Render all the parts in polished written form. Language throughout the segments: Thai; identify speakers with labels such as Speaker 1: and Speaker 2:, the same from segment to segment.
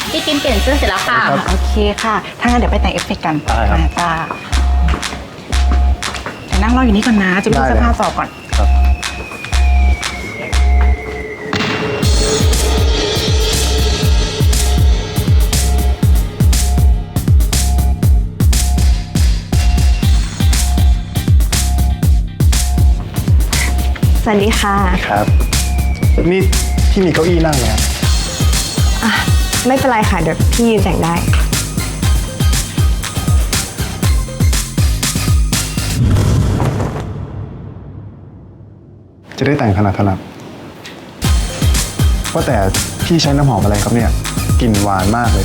Speaker 1: พี่ปิมเปลี่ยนเสื้อเสร็จแล้วค่ะ
Speaker 2: โอเคค่ะถ้างั้นเดี๋ยวไปแต่งเอฟเฟกต์กันจ้าแต่นั่งรออยู่นี่ก่อนนะจะไปดูเสื้อผ้าต่อก่อน
Speaker 3: สวัสดีค่ะ
Speaker 4: ครับนี่พี่มีเก้าอี้นั่งไหมครับ
Speaker 3: ไม่เป็นไรค่ะเดี๋ยวพี่ยืนแต่งได้
Speaker 4: จะได้แต่งถนัดว่าแต่พี่ใช้น้ำหอมอะไรครับเนี่ยกลิ่นหวานมากเลย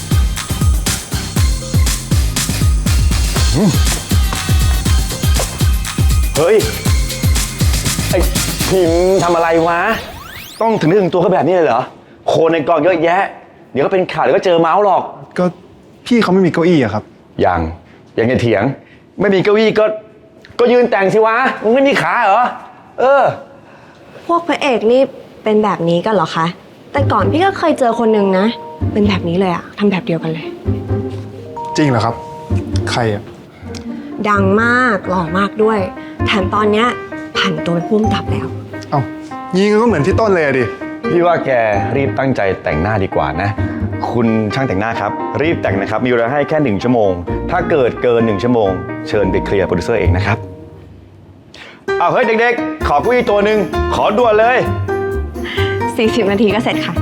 Speaker 5: เฮ้ยไอ้พิมพ์ทำอะไรวะต้องถึงตัวเขาแบบนี้เลยเหรอโคนในกองเยอะแยะเดี๋ยวก็เป็นข่าวเดี๋ยวก็เจอเมาส์หรอก
Speaker 4: ก็พี่เขาไม่มีเก้าอี้อะครับ
Speaker 5: ยังจะเถียงไม่มีเก้าอี้ก็ยืนแต่งสิวะมึงไม่มีขาเหรอ
Speaker 3: พวกพระเอกนี่เป็นแบบนี้กันเหรอคะแต่ก่อนพี่ก็เคยเจอคนหนึ่งนะเป็นแบบนี้เลยอะทำแบบเดียวกันเลย
Speaker 4: จริงเหรอครับใครอะ
Speaker 3: ดังมากหล่อมากด้วยแถมตอนเนี้ยผันตัวเป็นผู้กำกับแล้ว
Speaker 4: เอ้ายิงก็เหมือนพี่ต้นเลยดิ
Speaker 5: พี่ว่าแกรีบตั้งใจแต่งหน้าดีกว่านะคุณช่างแต่งหน้าครับรีบแต่งนะครับมีเวลาให้แค่1 ชั่วโมงถ้าเกิดเกิน1 ชั่วโมงเชิญไปเคลียร์โปรดิวเซอร์เองนะครับเอาเฮ้ยเด็กๆขอเก้าอี้ตัวหนึ่งขอด่วนเลย
Speaker 3: 40 นาทีก็เสร็จค่ะ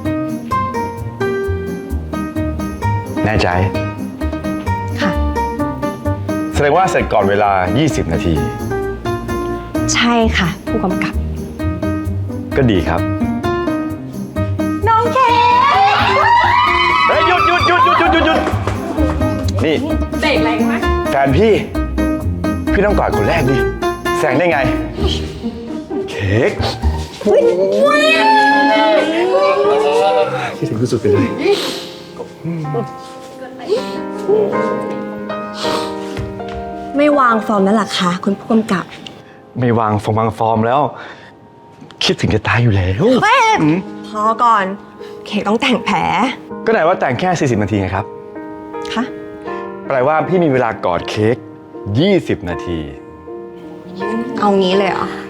Speaker 5: แน่ใจ
Speaker 3: ค่ะ
Speaker 5: แสดงว่าเสร็จก่อนเวลา20 นาที
Speaker 3: ใช่ค่ะผู้กำกับ
Speaker 5: ก็ดีครับ
Speaker 3: น้องเค
Speaker 5: เฮ้ยหยุดนี่
Speaker 1: เบรกแรงไหม
Speaker 5: แฟนพี่ต้องกอดคนแรกดิแซงได้ไงเค้ก
Speaker 4: คิดถึงที่สุดไปเลย
Speaker 3: ไม่วางฟอร์มแล้วล่ะคะคุณผู้กำกับ
Speaker 5: ไม่วางฟอร์มแล้วคิดถึงจะตายอยู่แล้ว
Speaker 3: เฮ้ยพอก่อนเค้กต้องแต่งแผล
Speaker 5: ก็ไหนว่าแต่งแค่40 นาทีไงครับ
Speaker 3: คะ
Speaker 5: แปลว่าพี่มีเวลากอดเค้ก20 นาที
Speaker 3: เอางี้เลยเหรอ